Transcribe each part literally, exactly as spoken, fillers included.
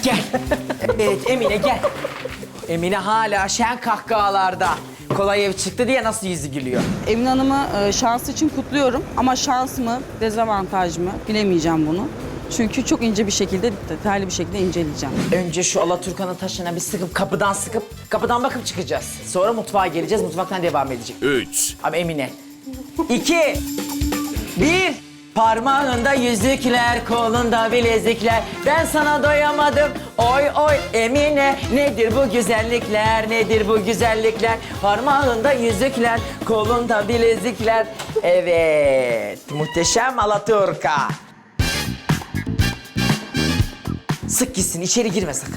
Gel. Evet Emine gel. Emine hala şen kahkahalarda. Kolay ev çıktı diye nasıl yüzü gülüyor. Emine Hanım'ı e, şansı için kutluyorum ama şans mı, dezavantaj mı bilemeyeceğim bunu. Çünkü çok ince bir şekilde, detaylı bir şekilde inceleyeceğim. Önce şu Alaturkan'ın taşına bir sıkıp kapıdan sıkıp kapıdan bakıp çıkacağız. Sonra mutfağa geleceğiz. Mutfaktan devam edecek. Üç. Ama Emine. İki. Bir. Parmağında yüzükler, kolunda bilezikler. Ben sana doyamadım. Oy oy Emine. Nedir bu güzellikler? Nedir bu güzellikler? Parmağında yüzükler, kolunda bilezikler. Evet. Muhteşem Alaturka. Sık gitsin, içeri girme sakın.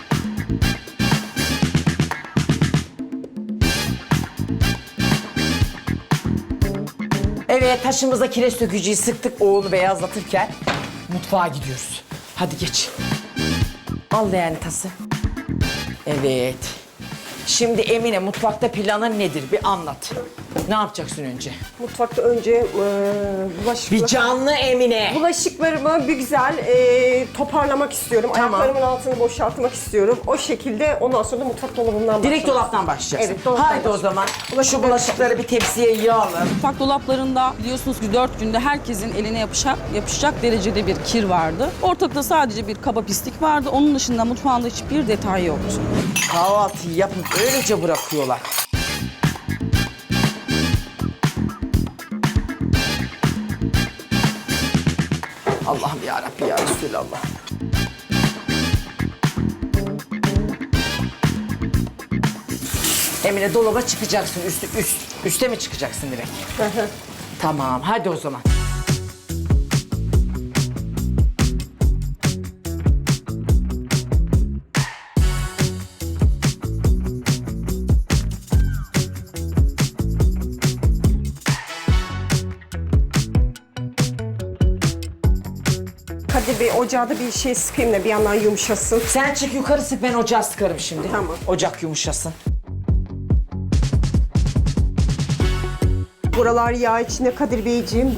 Evet, taşımıza kireç dökücüyü sıktık, o onu beyazlatırken mutfağa gidiyoruz. Hadi geç. Al leğeni tası. Evet. Şimdi Emine, mutfakta planın nedir? Bir anlat. Ne yapacaksın önce? Mutfakta önce e, bulaşıklar... Bir canlı Emine. Bulaşıklarımı bir güzel e, toparlamak istiyorum. Tamam. Ayaklarımın altını boşaltmak istiyorum. O şekilde ondan sonra da mutfak dolabından Direkt başlamak dolaptan başlayacaksın. Evet, dolaptan Haydi o başlayalım. zaman şu bulaşıkları bir tepsiye yığalım. Mutfak dolaplarında biliyorsunuz ki dört günde herkesin eline yapışacak, yapışacak derecede bir kir vardı. Ortalıkta sadece bir kaba pislik vardı. Onun dışında mutfağında hiçbir detay yoktu. Kahvaltıyı yapıp öylece bırakıyorlar. Allah'ım ya Rabbi ya Resulallah. Emine dolaba çıkacaksın. Üstü üst. Üste mi çıkacaksın direkt? Tamam, hadi o zaman. Kadir Bey ocağa da bir şey sıkayım da bir yandan yumuşasın. Sen çık yukarı sık, ben ocağı sıkarım şimdi. Tamam. Ocak yumuşasın. Buralar yağ içinde Kadir Beyciğim.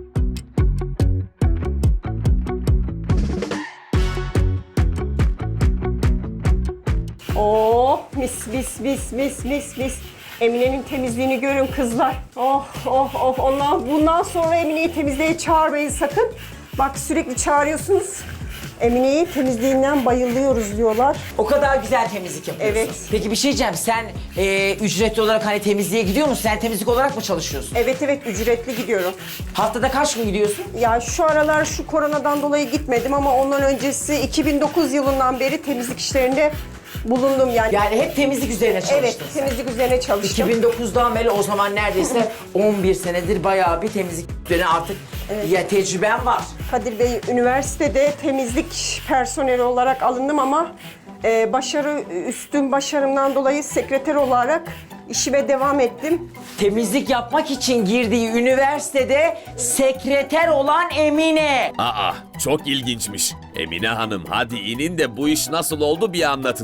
Oh mis mis mis mis mis mis. Emine'nin temizliğini görün kızlar. Oh oh oh. Ondan, bundan sonra Emine'yi temizliğe çağırmayın sakın. Bak sürekli çağırıyorsunuz. Emine'yi temizliğinden bayılıyoruz diyorlar. O kadar güzel temizlik yapıyorsun. Evet. Peki bir şey diyeceğim, sen e, ücretli olarak hani temizliğe gidiyor musun? Sen temizlik olarak mı çalışıyorsun? Evet evet ücretli gidiyorum. Haftada kaç gün gidiyorsun? Ya şu aralar şu koronadan dolayı gitmedim ama ondan öncesi iki bin dokuz yılından beri temizlik işlerinde bulundum yani. Yani hep temizlik üzerine çalıştın Evet, sen. temizlik üzerine çalıştım. iki bin dokuzdan beri o zaman neredeyse on bir senedir bayağı bir temizlik üzerine artık ya tecrüben var. Kadir Bey, üniversitede temizlik personeli olarak alındım ama e, başarı üstün başarımdan dolayı sekreter olarak işime devam ettim. Temizlik yapmak için girdiği üniversitede sekreter olan Emine. Aa, çok ilginçmiş. Emine Hanım, hadi inin de bu iş nasıl oldu bir anlatın.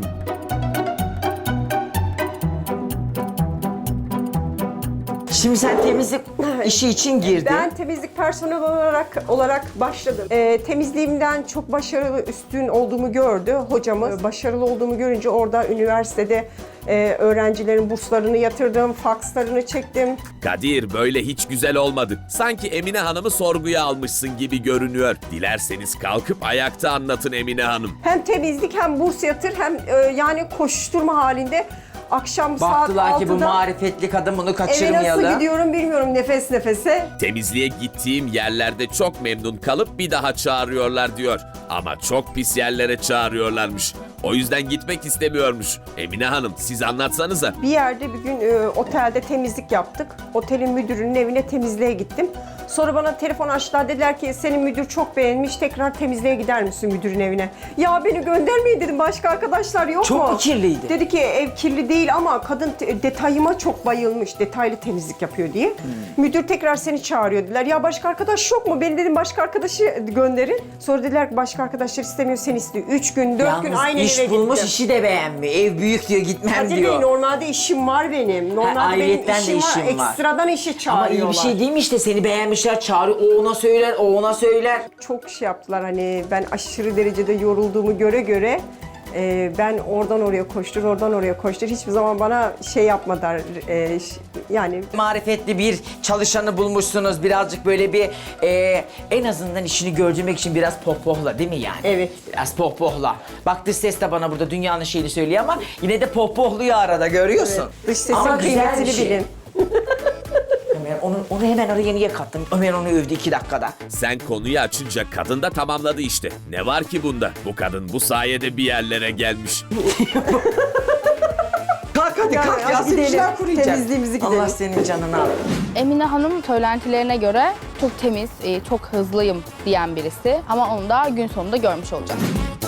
Şimdi sen temizlik işi için girdin. Ben temizlik personeli olarak olarak başladım. E, temizliğimden çok başarılı, üstün olduğumu gördü hocamız. Başarılı olduğumu görünce orada üniversitede e, öğrencilerin burslarını yatırdım, fakslarını çektim. Kadir, böyle hiç güzel olmadı. Sanki Emine Hanım'ı sorguya almışsın gibi görünüyor. Dilerseniz kalkıp ayakta anlatın Emine Hanım. Hem temizlik hem burs yatır hem e, yani koşuşturma halinde akşam saat Baktılar ki bu altıda marifetli kadın bunu eve kaçırmayalım. nasıl gidiyorum bilmiyorum nefes nefese. Temizliğe gittiğim yerlerde çok memnun kalıp bir daha çağırıyorlar diyor. Ama çok pis yerlere çağırıyorlarmış. O yüzden gitmek istemiyormuş. Emine Hanım, siz anlatsanıza. Bir yerde bir gün e, otelde temizlik yaptık. Otelin müdürünün evine temizliğe gittim. Sonra bana telefon açtılar, dediler ki senin müdür çok beğenmiş, tekrar temizliğe gider misin müdürün evine? Ya beni göndermeyin dedim, başka arkadaşlar yok Çok mu? mu kirliydi? Dedi ki ev kirli değil ama kadın te- detayıma çok bayılmış, detaylı temizlik yapıyor diye. Hmm. Müdür tekrar seni çağırıyor dediler. Ya başka arkadaş yok mu? Beni dedim başka arkadaşı gönderin. Sonra dediler ki başka arkadaşlar istemiyor, seni istiyor. Üç gün, dört gün Yalnız aynı iş eve bulmuş, gittim. işi de beğenmiyor. Ev büyük diyor, gitmem Kadir Bey, diyor. normalde işim var benim. Normalde benim ayrıyetten de işim var. işim var. Ekstradan işe Ama çağırıyorlar. iyi bir şey değil mi işte, seni beğenmişler, çağırıyor, o ona söyler, o ona söyler. Çok şey yaptılar hani ben aşırı derecede yorulduğumu göre göre Ee, ben oradan oraya koştur, oradan oraya koştur. Hiçbir zaman bana şey yapmadılar. Ee, ş- yani Marifetli bir çalışanı bulmuşsunuz. Birazcık böyle bir e, en azından işini gördürmek için biraz pohpohla değil mi yani? Evet. Biraz pohpohla. Bak dış ses de bana burada dünyanın şeyini söylüyor ama yine de pohpohluyor arada görüyorsun. Evet. Dış sesin Ama güzel bir kıymetini şey. bilin. Ömer, onu, onu hemen araya niye kattım? Ömer onu övdü iki dakikada. Sen konuyu açınca kadın da tamamladı işte. Ne var ki bunda? Bu kadın bu sayede bir yerlere gelmiş. Kalk hadi Ya, kalk hadi ya. gidelim. Sıkışlar kuruyacak. Temizliğimizi gidelim. Allah senin canını al. Emine Hanım söylentilerine göre çok temiz, e, çok hızlıyım diyen birisi. Ama onu da gün sonunda görmüş olacağız.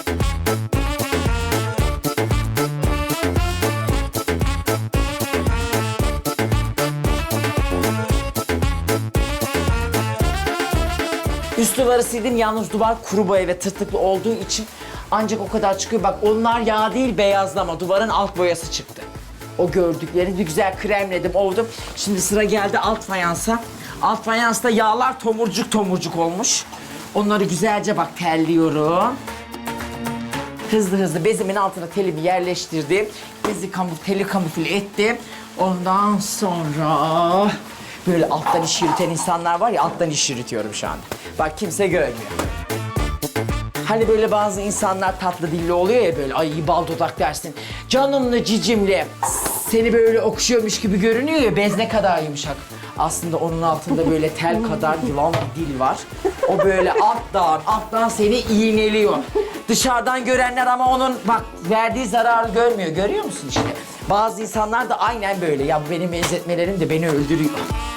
Üst duvarı sildim yalnız duvar kuru boya ve tırtıklı olduğu için ancak o kadar çıkıyor. Bak onlar yağ değil beyazlama. Duvarın alt boyası çıktı. O gördüklerini bir güzel kremledim, ovdum. Şimdi sıra geldi alt fayansa. Alt fayansta yağlar tomurcuk tomurcuk olmuş. Onları güzelce bak telliyorum. Hızlı hızlı bezimin altına telimi yerleştirdim. Bezi kamuf, teli kamufle ettim. Ondan sonra böyle alttan iş yürüten insanlar var ya, alttan iş yürütüyorum şu anda. Bak kimse görmüyor. Hani böyle bazı insanlar tatlı dilli oluyor ya böyle, ay bal dudak dersin. Canımlı cicimli seni böyle okşuyormuş gibi görünüyor ya, bez ne kadar yumuşak. Aslında onun altında böyle tel kadar yılan bir dil var. O böyle alttan alttan seni iğneliyor. Dışarıdan görenler ama onun bak verdiği zararı görmüyor. Görüyor musun işte? Bazı insanlar da aynen böyle. Ya bu benim benzetmelerim de beni öldürüyor.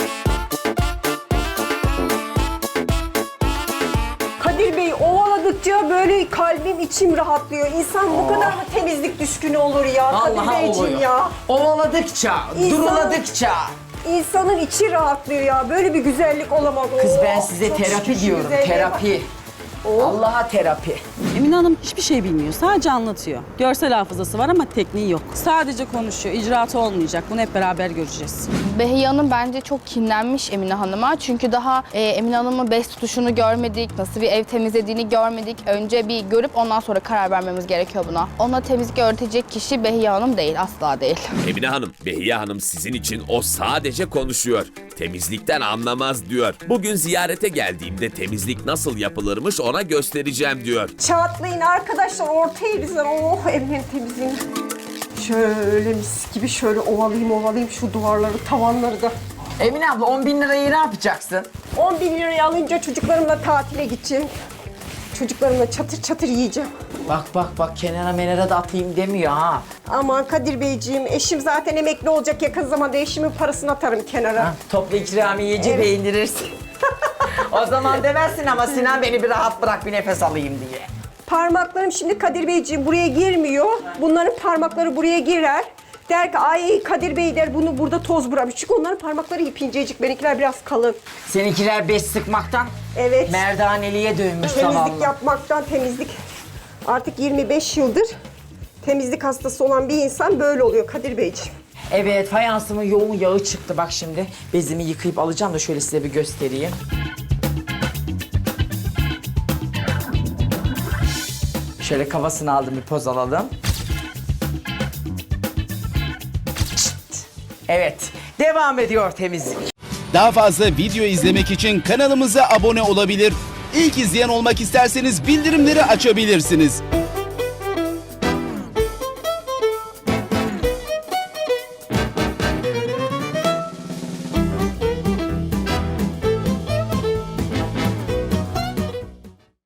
Kadir Bey ovaladıkça böyle kalbim içim rahatlıyor. İnsan bu kadar mı temizlik düşkünü olur ya Kadir Vallahi Beyciğim oluyor. ya. Ovaladıkça, İnsan- duruladıkça. İnsanın içi rahatlıyor ya. Böyle bir güzellik olamaz. Kız Oo, ben size çok terapi şükür şu diyorum, güzelliğe terapi. Oh. Allah'a terapi. Emine Hanım hiçbir şey bilmiyor. Sadece anlatıyor. Görsel hafızası var ama tekniği yok. Sadece konuşuyor. İcraatı olmayacak. Bunu hep beraber göreceğiz. Behiye Hanım bence çok kinlenmiş Emine Hanım'a. Çünkü daha e, Emine Hanım'ın bez tutuşunu görmedik, nasıl bir ev temizlediğini görmedik. Önce bir görüp ondan sonra karar vermemiz gerekiyor buna. Ona temizlik öğretecek kişi Behiye Hanım değil, asla değil. Emine Hanım, Behiye Hanım sizin için o sadece konuşuyor. Temizlikten anlamaz diyor. Bugün ziyarete geldiğimde temizlik nasıl yapılırmış ona göstereceğim diyor. Çatlayın arkadaşlar ortaya bizden. Oh evin temizliğini. Şöyle mis gibi şöyle ovalayayım ovalayayım şu duvarları, tavanları da. Emine abla on bin lirayı ne yapacaksın? on bin lirayı alınca çocuklarımla tatile gideceğim. Çocuklarımla çatır çatır yiyeceğim. Bak bak bak kenara menara da atayım demiyor ha. Aman Kadir Beyciğim, eşim zaten emekli olacak yakın zamanda. Eşimin parasını atarım kenara. Ha, toplu ikramiyeci Evet. beğendirirsin. O zaman demezsin ama Sinan beni bir rahat bırak bir nefes alayım diye. Parmaklarım şimdi Kadir Beyciğim buraya girmiyor. Bunların parmakları buraya girer. Der ki ay Kadir Bey der bunu burada toz bırakmış. Çünkü onların parmakları ip incecik, benimkiler biraz kalın. Seninkiler beş sıkmaktan Evet. merdaneliğe dönmüş Temizlik zavallı. yapmaktan temizlik. Artık yirmi beş yıldır temizlik hastası olan bir insan böyle oluyor Kadir Beyciğim. Evet fayansımın yoğun yağı çıktı bak şimdi. Bezimi yıkayıp alacağım da şöyle size bir göstereyim. Şöyle kafasını aldım bir poz alalım. Çıt. Evet devam ediyor temizlik. Daha fazla video izlemek için kanalımıza abone olabilir. İlk izleyen olmak isterseniz bildirimleri açabilirsiniz.